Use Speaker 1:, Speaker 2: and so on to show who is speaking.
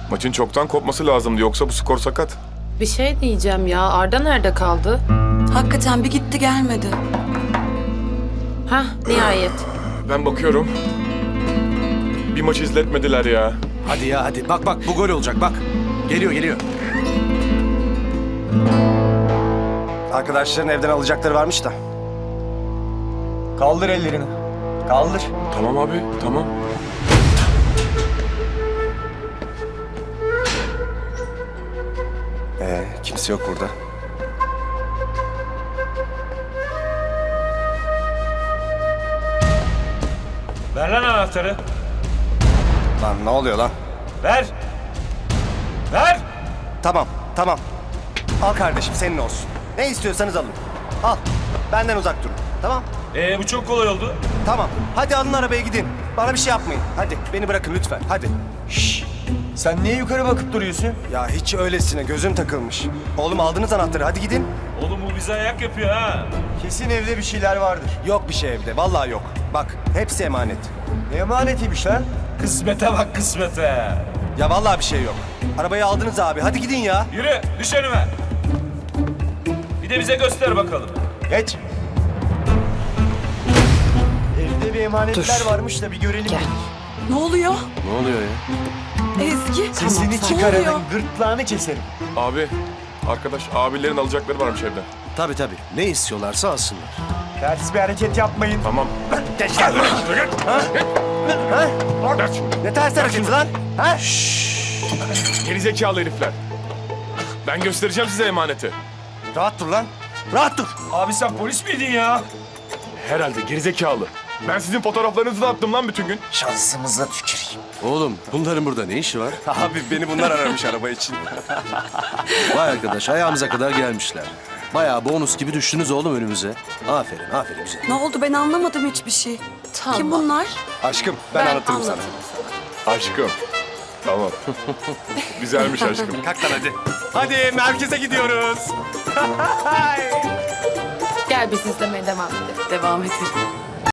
Speaker 1: Maçın çoktan kopması lazımdı, yoksa bu skor sakat.
Speaker 2: Bir şey diyeceğim ya. Arda nerede kaldı?
Speaker 3: Hakikaten bir gitti gelmedi.
Speaker 2: Hah, nihayet.
Speaker 1: Ben bakıyorum. Bir maç izletmediler ya.
Speaker 4: Hadi ya hadi. Bak bak bu gol olacak bak. Geliyor geliyor.
Speaker 5: Arkadaşların evden alacakları varmış da.
Speaker 6: Kaldır ellerini. Kaldır.
Speaker 1: Tamam abi, tamam.
Speaker 5: Kimse yok burada.
Speaker 6: Ver lan anahtarı.
Speaker 5: Lan ne oluyor lan?
Speaker 6: Ver. Ver.
Speaker 5: Tamam, tamam. Al kardeşim, senin olsun. Ne istiyorsanız alın. Al. Benden uzak durun. Tamam?
Speaker 6: Bu çok kolay oldu.
Speaker 5: Tamam. Hadi alın arabaya gidin. Bana bir şey yapmayın. Hadi beni bırakın lütfen. Hadi.
Speaker 6: Sen niye yukarı bakıp duruyorsun?
Speaker 5: Ya hiç öylesine gözüm takılmış. Oğlum aldınız anahtarı. Hadi gidin.
Speaker 6: Oğlum bu bize ayak yapıyor ha. Kesin evde bir şeyler vardır.
Speaker 5: Yok bir şey evde. Vallahi yok. Bak hepsi emanet.
Speaker 6: Ne emanetiymiş lan? Kısmete bak kısmete.
Speaker 5: Ya vallahi bir şey yok. Arabayı aldınız abi. Hadi gidin ya.
Speaker 6: Yürü düş önüme. Bir de bize göster bakalım. Geç. Evde bir emanetler varmış da bir görelim.
Speaker 2: Gel.
Speaker 3: Ne oluyor?
Speaker 4: Ne oluyor ya?
Speaker 3: Ezgi.
Speaker 6: Sesini
Speaker 3: Ne
Speaker 6: çıkaranın
Speaker 3: oluyor?
Speaker 6: gırtlağını keserim.
Speaker 1: Abi, arkadaş, abilerin alacakları varmış evden.
Speaker 4: Tabii tabii. Ne istiyorlarsa alsınlar.
Speaker 6: Ters bir hareket yapmayın.
Speaker 1: Tamam.
Speaker 5: Geç lan. Ne ters hareketi lan? Ha?
Speaker 1: Gerizekalı herifler. Ben göstereceğim size emaneti.
Speaker 5: Rahat dur lan. Rahat dur.
Speaker 6: Abi sen polis miydin ya?
Speaker 1: Herhalde gerizekalı. Ben sizin fotoğraflarınızı da attım lan bütün gün.
Speaker 5: Şansımıza tüküreyim.
Speaker 4: Oğlum bunların burada ne işi var?
Speaker 5: Abi beni bunlar aramış araba için.
Speaker 4: Vay arkadaş ayağımıza kadar gelmişler. Bayağı bonus gibi düştünüz oğlum önümüze. Aferin aferin bize.
Speaker 3: Ne oldu ben anlamadım hiçbir şey.
Speaker 2: Tamam.
Speaker 3: Kim bunlar?
Speaker 5: Aşkım ben anlatırım sana.
Speaker 2: anlatırım
Speaker 1: Aşkım. Tamam. Güzelmiş aşkım.
Speaker 5: Kalk lan hadi. Hadi merkeze gidiyoruz.
Speaker 2: Gel biz izlemeye devam edelim.
Speaker 3: Devam edelim.